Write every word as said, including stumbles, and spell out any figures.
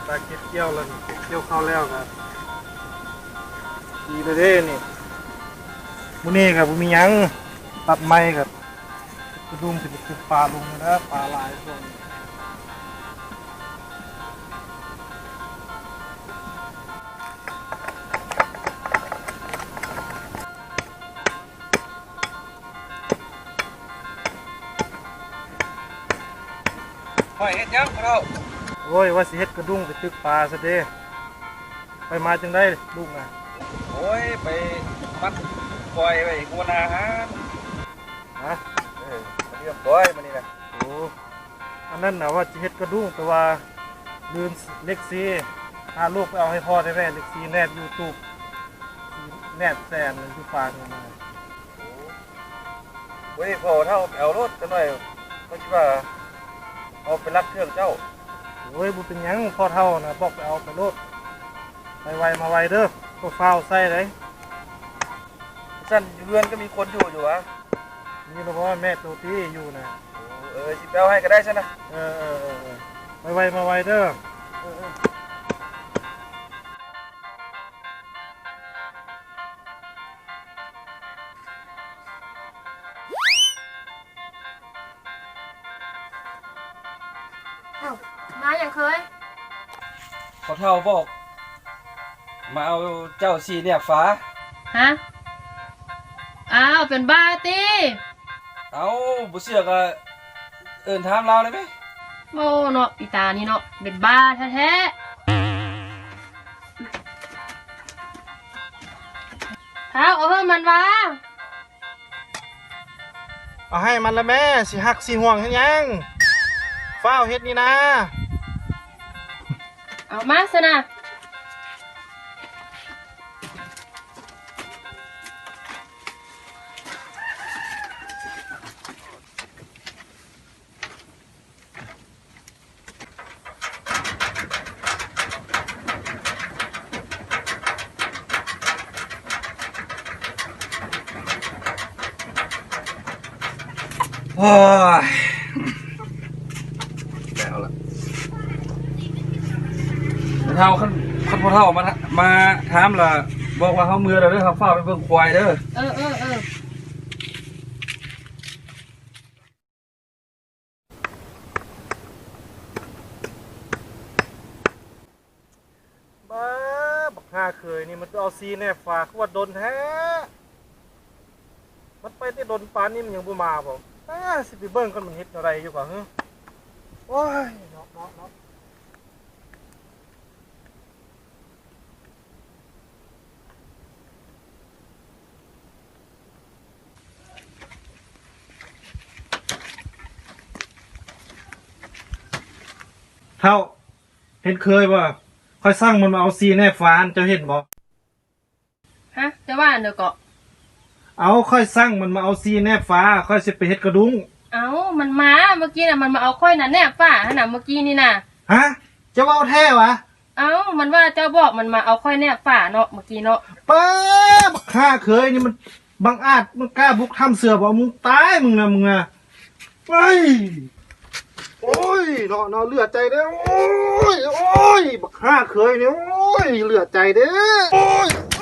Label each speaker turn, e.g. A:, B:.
A: ตาเก็บเกี่ยวแล้วนี่เก็บเกี่ยวเข้าแล้วครับดีเลยเด้นี่มื้อนี้ครับบ่มีหยังตัดไม้ครับกระดุมสิไปขุดปลาลงนะปลาหลายช่วงนี้
B: หอยเฮ็ดยังเรา
A: โอ้ยว่าสิเฮ็ดกระดุมไปตึกปลาซะเด้ไปมาจังได้ลูกน่ะ
B: โอ้ยไปมัดปล่อยไปกูนาฮะ
A: ฮะ
B: เออมาเรียบร้อยมานี่นะ
A: โอ้อันนั้นน่ะว่าสิเฮ็ดกระดุมแต่ว่าลืมเล็กซีหาลูกไปเอาให้พ่อได้แม่เล็กซีแนบ YouTube แนบแซนอยู่ฟางนี่นะ
B: โอ้ยพอเท่าเอารถกันหน่อยเขาคิดว่าเอาไปรับเครื่องเจ้า
A: โอ้ยบุเป็นยังพ่อเท่านะบอกไปเอาไปรถไปไวมาไวเด้อก็เฝ้าใส่เลย
B: สั้นเรือนก็มีคนอยู่อยู่วะ
A: นี่เราบอกว่าแม่ตัวที่อยู่นะ
B: เออสิแปลให้ก็ได้ใช่ไหม
A: เออเออเออไปไวมาไวเด้อ
C: มาอย่างเคย
B: พอเท่าบอกมาเอาเจ้าสีเนี่ยฟ้า
C: ฮะอ้าวเป็นบ้าตี
B: เอาบุเสือกเอิญถามเราเลยไหม
C: โอ้เนาะอีตานี่เนาะเป็นบ้าแท้ๆเท้าเอาเพิ่มมันวะ
A: เอาให้มันละแม่สิหักสิห่วงเห็นยังเฝ้าเฮ็ดนี่นะ
C: เอามาซะนะ
B: โอ้ยแล้วล่ะเท่าขั้นขั้นพอเท่ามามาถามล่ะบอกว่าเขาเมื่อเราเด้อเขาฝ้าไปเบิ่งควายเด้อ
C: เออเออเออ
A: บ้าบักฮาเคยนี่มันเอาซีแนบฝากว่าโดนแท้มันไปที่โดนปานนี่มันยังบ่มาบ่อ่าสิไปเบิ่งกันมันเฮ็ดอะไรอยู่กว่าฮึโอ้ยเนาะเนาะเนาะเท่าเห็นเคยบ่ค่อยสร้างมันมาเอาซีแนบฟานเจ้าเห็นบ่
C: ฮะจะว่าเด้อก็
A: เอาค่อยสร้างมันมาเอาซีแนบฟ้าค่อยสิไปเฮ็ดกระดุง
C: เอามันมาเมื่อกี้น่ะมันมาเอาค่อยน่ะแนบฟ้าหั่นน่ะเมื่อกี้นี่น่ะ
A: ฮะจะว่าแท้วะ
C: เอามันว่าเจ้าบอกมันมาเอาค่อยแนบฟ้าเนาะเมื่อกี้เนาะ
A: ป้าบักข้าเคยนี่มันบังอาจมันกล้าบุกทำเสือบ่มึงตายมึงนะมึงนะไปโอ้ยเนาะเนาะเลือดใจเด้อโอ้ยโอ้ยบักข้าเคยนี่โอ้ยเลือดใจเด้อโอ้ย